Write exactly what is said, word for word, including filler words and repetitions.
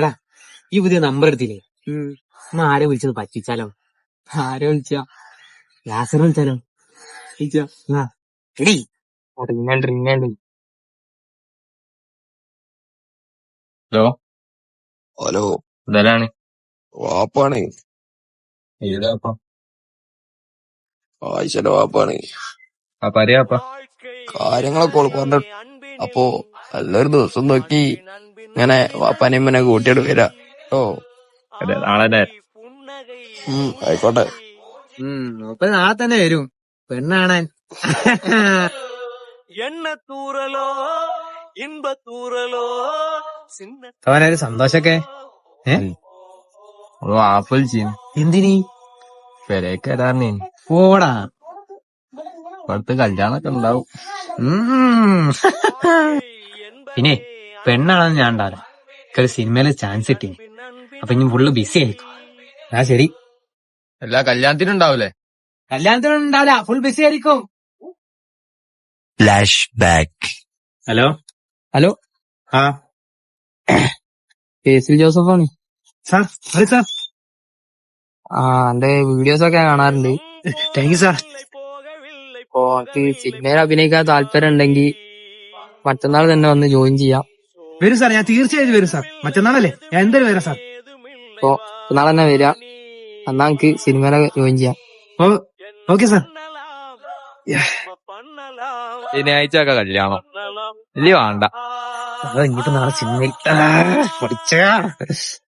എടാ ഈ പുതിയ നമ്പർ എടുത്തില്ലേ? എന്നാ ആരെ വിളിച്ചത് പറ്റിച്ചാലോ? ആരെ വിളിച്ച? യാസർ വിളിച്ചാലോ? എടീ റിങ്ങണ്ട് റിങ്ങണ്ട്. Hello hello ഇതലാണ് വാപ്പാണ്. ഏതാപ്പ ആയിഷന്റെ വാപ്പാണ്. ആ പറയാപ്പ കാര്യങ്ങളൊക്കെ ഓള് പറഞ്ഞു. അപ്പൊ നല്ലൊരു ദിവസം നോക്കി ഇങ്ങനെ വാപ്പാനെയും ഇമ്മനെ കൂട്ടിയിട്ട് വരാ. ഓ അതെ നാളെ ഉം ആയിക്കോട്ടെ. ഉം അപ്പൊ നാളെ തന്നെ വരും പെണ്ണാണാൻ. എണ്ണത്തൂറലോ ഇൻപത്തൂറലോ അവനൊരു സന്തോഷൊക്കെ ആപ്പിൾ ചെയ്യും എന്തിനീ പെരേക്ക് വരാറിനേ. പോടാ. ഇവിടുത്തെ കല്യാണൊക്കെ ഉണ്ടാവും. പിന്നെ പെണ്ണാണെന്ന് ഞാൻ ഉണ്ടാവില്ല. ഒരു സിനിമയില് ചാൻസ് കിട്ടി. അപ്പൊ ഇനി ഫുള്ള് ബിസി ആയിരിക്കും. ആ ശരി. എല്ലാ കല്യാണത്തിനും ഉണ്ടാവൂലേ? കല്യാണത്തിനൊന്നും ഉണ്ടാവില്ല, ഫുൾ ബിസി ആയിരിക്കും. Flash back. ഹലോ ഹലോ ആ കേസിൽ ജോസഫാണ് സാർ. അതെ സാർ. ആ എന്റെ വീഡിയോസ് ഒക്കെ കാണാറുണ്ട്. Thank you sir. ഓ എനിക്ക് സിനിമയിൽ അഭിനയിക്കാൻ താല്പര്യം ഉണ്ടെങ്കിൽ മറ്റന്നാൾ തന്നെ വന്ന് ജോയിൻ ചെയ്യാം. വരും സാർ, ഞാൻ തീർച്ചയായും വരും സാർ. മറ്റന്നാളല്ലേ? ഞാൻ എന്തായാലും വരാം സാർ. ഓ മറ്റന്നാൾ തന്നെ വരിക. എന്നാ എനിക്ക് സിനിമയിലൊക്കെ ജോയിൻ ചെയ്യാം. Oh okay sir. ശനിയാഴ്ച ഒക്കെ കല്യാണം ഇല്ല വേണ്ട. ഇങ്ങോട്ട് നാളെ സിനിമയിൽ പഠിച്ച